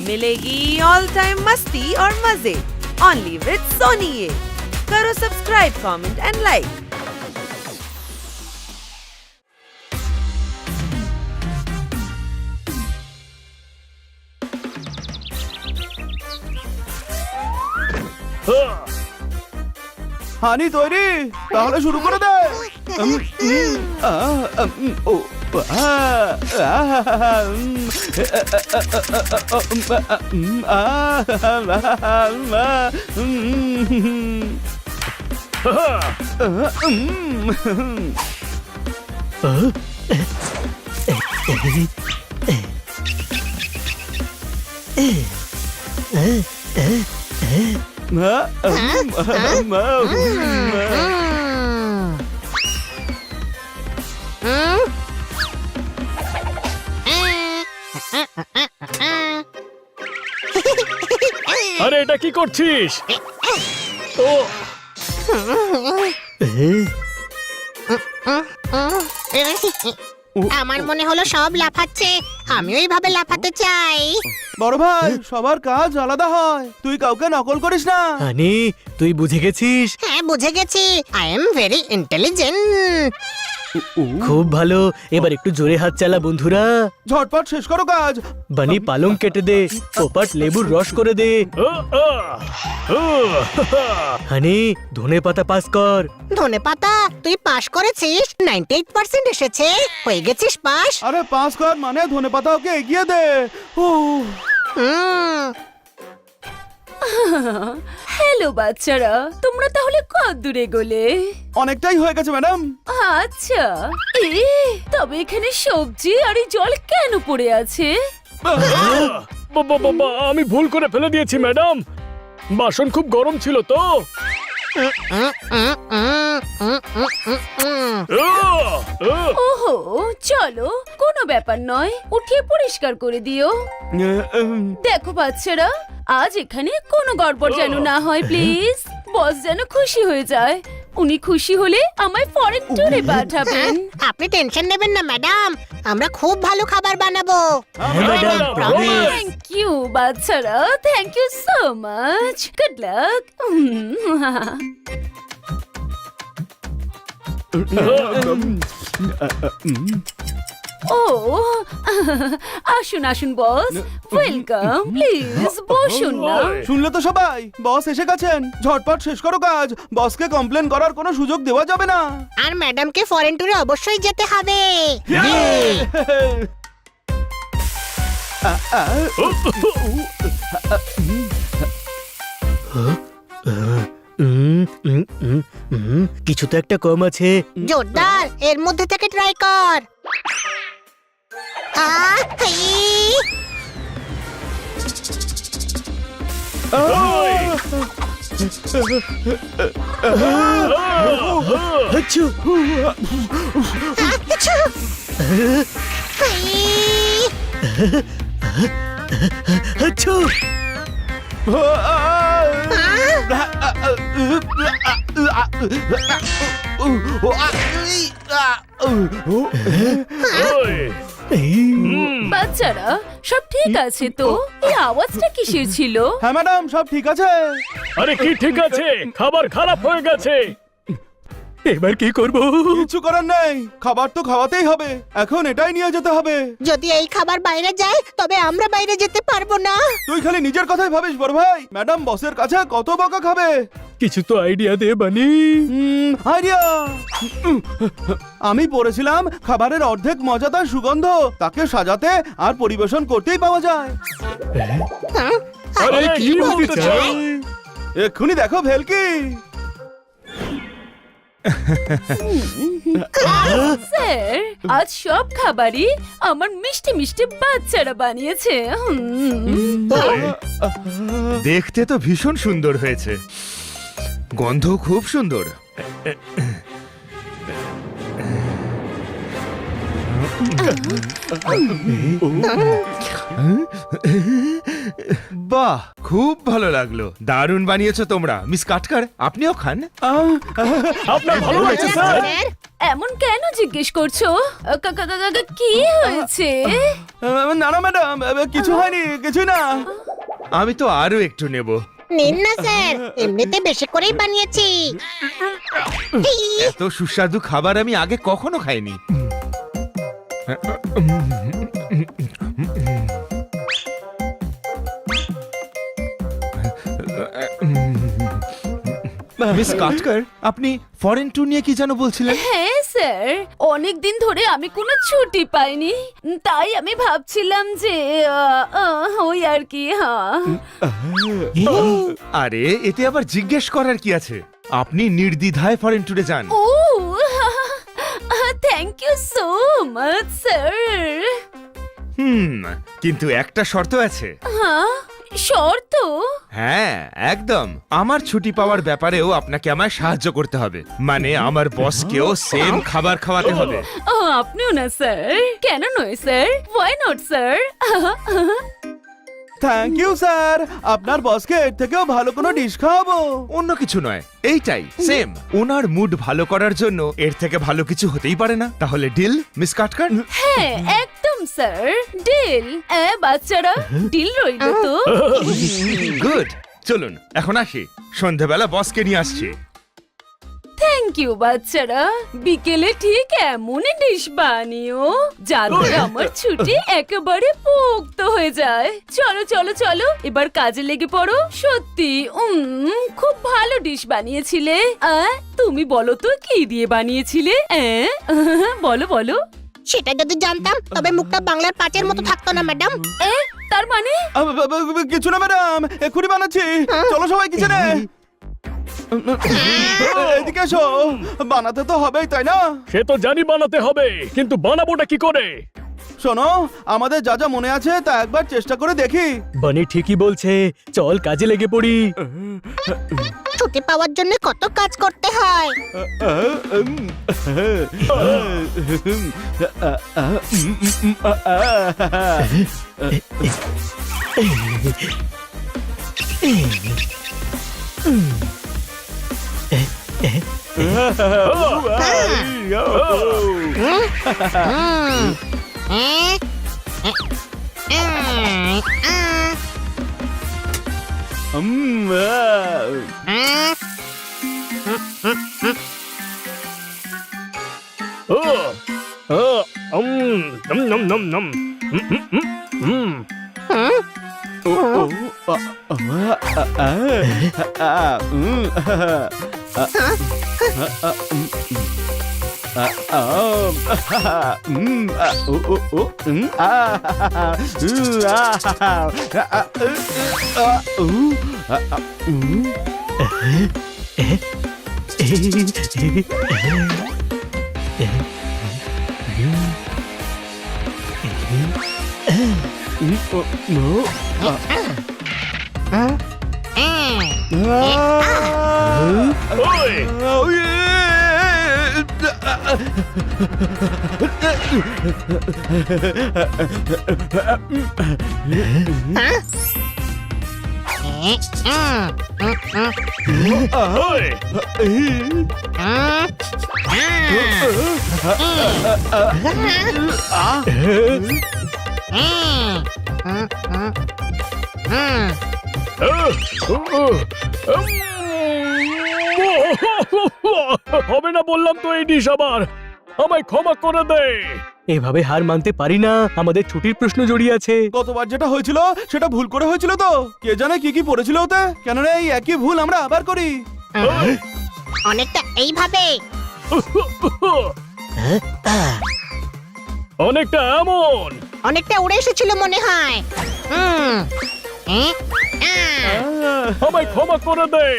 मिलेगी all time मस्ती और मजे ओनली विद सोनी ये। करो subscribe, comment and like. Honey তৈরি, তাহলে শুরু করে দে। আরে এটা কি করছিস? ও আমার মনে হলো সব লাফাচ্ছে, আমিও এইভাবে লাফাতে চাই। বড় ভাই, সবার কাজ আলাদা হয়, তুই কাউকে নকল করিস না। হানি, তুই বুঝে গেছিস? হ্যাঁ, বুঝে গেছি। I am very intelligent. খুব ভালো, এবার একটু জোরে হাত চালা বন্ধুরা। ঝটপট শেষ করো কাজ। বানি পালং কেটে দে, পোপাট লেবুর রস করে দে। হানি, ধনে পাতা পাস কর। ধনে পাতা, তুই পাস করেছিস, 98% এসেছে, হয়ে গেছিস পাস। আরে পাস কর মানে ধনে পাতা ওকে এগিয়ে দে। হ্যালো বাচ্চারা, তোমরা তাহলে কত দূরে গেলে? অনেকটাই হয়ে গেছে ম্যাডাম। আচ্ছা, তবে এখানে সবজি আর এই জল কেন পড়ে আছে? বাবা, আমি ভুল করে ফেলে দিয়েছি ম্যাডাম, বাসন খুব গরম ছিল তো। ওহো, চলো, কোনো ব্যাপার নয়, উঠিয়ে পরিষ্কার করে দিও। দেখো বাচ্চারা, আজ এখানে কোনো গড়বড় যেন না হয় প্লিজ। বস যেন খুশি হয়ে যায়, উনি খুশি হলে আমায় ফরেন ট্যুরে পাঠাবেন। আপনি টেনশন নেবেন না ম্যাডাম, আমরা খুব ভালো খাবার বানাবো। থ্যাংক ইউ বাচ্চারা, thank you so much, good luck. ও আসুন আসুন বস, ওয়েলকাম, প্লিজ বসুন না। শুনলে তো সবাই, বস এসে গেছেন। ঝটপট শেষ করো কাজ, বসকে কমপ্লেন করার কোনো সুযোগ দেওয়া যাবে না। আর ম্যাডামকে ফরেন ট্যুরে অবশ্যই যেতে হবে। কিছু তো একটা কম আছে। জোরদার, এর মধ্যে থেকে ট্রাই কর। আচ্ছা, আচ্ছা, বাচ্চারা, সব ঠিক আছে তো? এই আওয়াজটা কিসের ছিল? হ্যাঁ ম্যাডাম, সব ঠিক আছে। আরে কি ঠিক আছে? খাবার খারাপ হয়ে গেছে। এবার কি করব? কিছু করার নেই, খাবার তো খাওয়াতেই হবে, এখন এটাই নিয়ে যেতে হবে। যদি এই খাবার বাইরে যায় তবে আমরা বাইরে যেতে পারবো না। তুই খালি নিজের কথাই ভাবিস বড় ভাই, ম্যাডাম বসের কাছে কত বকা খাবে। কিছু তো আইডিয়া দে বানি। আইডিয়া, আমি পড়েছিলাম খাবারের অর্ধেক মজা তার সুগন্ধ, তাকে সাজাতে আর পরিবেশন করতেই পাওয়া যায়। আরে কি বলতে চাই? এক্ষুনি দেখো ভেলকি। স্যার, আজ সব খাবারই আমার মিষ্টি মিষ্টি বাচ্চারা বানিয়েছে। দেখতে তো ভীষণ সুন্দর হয়েছে, গন্ধ খুব সুন্দর। বাহ, খুব ভালো লাগলো, দারুণ বানিয়েছো তোমরা। মিস কাটকার, আপনিও খান। আপনার ভালো লাগছে স্যার? এমন কেন জিজ্ঞেস করছো? কি হয়েছে? না না ম্যাডাম, কিছু হয়নি, কিছুই না। আমি তো আরো একটু নেব। নিন না স্যার, এমনিতে বেশি করেই বানিয়েছি। এত সুস্বাদু খাবার আমি আগে কখনো খাইনি। মিস কাটকার, আপনি ফরেন ট্যুর নিয়ে কি যেন বলছিলেন? হ্যাঁ স্যার, অনেক দিন ধরে আমি কোনো ছুটি পাইনি, তাই আমি ভাবছিলাম যে ওই আর কি। হ্যাঁ, আরে এতে আবার জিজ্ঞেস করার কি আছে? আপনি নির্দ্বিধায় ফরেন ট্যুরে যান। ও thank you so much sir. কিন্তু একটা শর্ত আছে। হ্যাঁ, শর্ত? হ্যাঁ একদম, আমার ছুটি পাওয়ার ব্যাপারেও আপনাকে আমায় সাহায্য করতে হবে। মানে আমার বসকেও সেম খাবার খাওয়াতে হবে। ও আপনিও না স্যার? কেন নয় sir, why not sir? Thank you sir, আপনার বসকে এর থেকেও ভালো কোনো ডিশ খাওয়াবো। অন্য কিছু নয়, এইটাই সেম। ওনার মুড ভালো করার জন্য এর থেকে ভালো কিছু হতেই পারে না। তাহলে ডিল মিস কাটকার? হ্যাঁ একদম স্যার, ডিল। বাচ্চারা ডিল রইল তো? গুড, চলুন এখন আসি, সন্ধেবেলা বসকে নিয়ে আসছি। থ্যাংক ইউ বাচ্চারা, বিকেলে ঠিক এমনই ডিশ বানিও যাতে আমার ছুটি একেবারে পোক্ত হয়ে যায়। চলো চলো চলো, এবার কাজে লেগে পড়ো। সত্যি খুব ভালো ডিশ বানিয়েছিলে। তুমি বলো তো কি দিয়ে বানিয়েছিলে? বলো বলো। সেটা যদি জানতাম তবে মুখটা বাংলার পাঁচের মতো থাকতো না ম্যাডাম। তার মানে? কিছু না ম্যাডাম, এক্ষুনি বানাচ্ছি। চলো সবাই কিচেনে। এদিকে এসো, বানাতে তো হবেই তাই না? সে তো জানি বানাতে হবে, কিন্তু বানাবোটা কি করে? শোনো, আমাদের যা যা মনে আছে তা একবার চেষ্টা করে দেখি। বানি ঠিকই বলছে, চল কাজে লেগে পড়ি। ছুটি পাওয়ার জন্য কত কাজ করতে হয়। নম নম নম। হবে না বললাম তো এই ডিশ আবার। আমায় ক্ষমা করে দে। এভাবে হার মানতে পারি না, আমাদের ছুটির প্রশ্ন জড়িয়ে আছে। গতবার যেটা হয়েছিল সেটা ভুল করে হয়েছিল তো, কে জানে কি কি পড়েছিল ওতে। কেন রে, এই একই ভুল আমরা আবার করি? অনেকটা এইভাবে। অনেকটা এমন। অনেকটা উড়ে এসেছিল মনে হয়। আমায় ক্ষমা করে দে।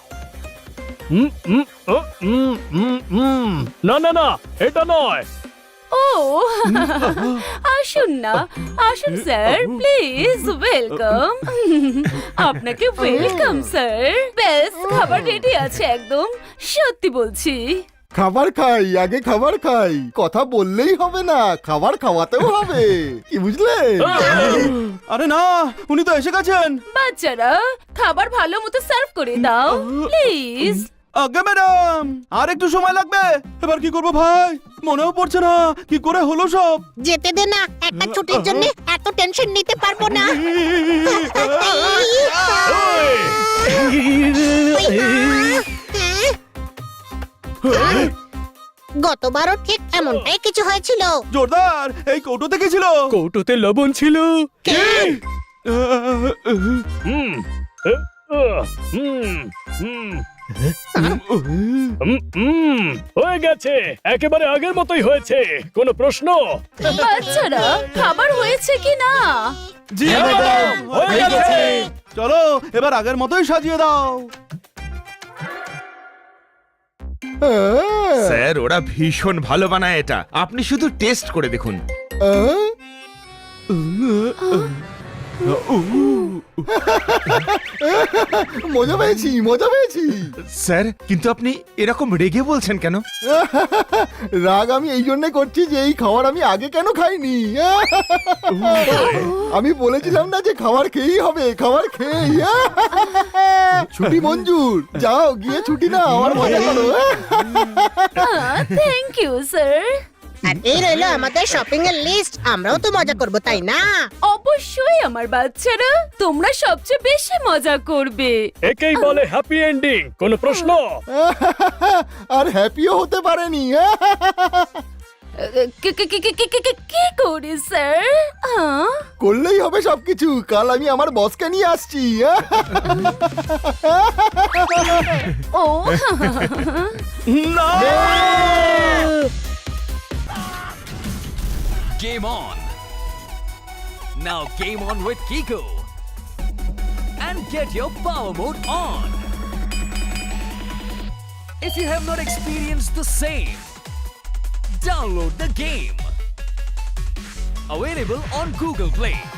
না না না, এটা নয়। ও আসুন না, আসুন স্যার, প্লিজ ওয়েলকাম। আপনাকে ওয়েলকাম স্যার। বেস্ট খাবার রেডি আছে একদম, সত্যি বলছি। খাবার খাই, আগে খাবার খাই। কথা বললেই হবে না, খাবার খাওয়াতেও হবে, কি বুঝলে? আরে না, উনি তো এসে গেছেন। বাচ্চারা খাবার ভালো মতো সার্ভ করে দাও প্লিজ। আগে ম্যাডাম আর একটু সময় লাগবে। এবার কি করবো ভাই, মনেও পড়ছে না কি করে হলো সব। যেতে দে না, একটা ছুটির জন্য এত টেনশন নিতে পারবো না। গতবারও ঠিক এমনটাই কিছু হয়েছিল। জোরদার, এই কৌটো থেকে ছিল। কৌটোতে লবণ ছিল। হুম হয়ে গেছে, একেবারে আগের মতোই হয়েছে। কোনো প্রশ্ন? বাচ্চারা খাবার হয়েছে কি না? জি ম্যাডাম, হয়ে গেছে। চলো এবার আগের মতোই সাজিয়ে দাও। স্যার ওরা ভীষণ ভালো বানায় এটা, আপনি শুধু টেস্ট করে দেখুন। মজা পেয়েছি, মজা পেয়েছি। স্যার কিন্তু আপনি এরকম রেগে বলছেন কেন? রাগ আমি এই জন্য করছি যে এই খাবার আমি আগে কেন খাইনি। আমি বলেছিলাম না যে খাবার খেয়েই হবে, খাবার খেয়েই। ছুটি মঞ্জুর, যাও গিয়ে ছুটি না আমার মজা করো। Thank you sir. আর এই রইলো আমাদের শপিং এর লিস্ট, আমরাও তো মজা করবো তাই না? অবশ্যই আমার বাচ্চারা, তোমরা সবচেয়ে বেশি মজা করবে। একেই বলে হ্যাপি এন্ডিং। কোনো প্রশ্ন? আর হ্যাপিও হতে পারেনি। কি করি স্যার? করলেই হবে সবকিছু, কাল আমি আমার বসকে নিয়ে আসছি। ও না, Game on! Now game on with Kiko! And get your power mode on! If you have not experienced the same, download the game! Available on Google Play.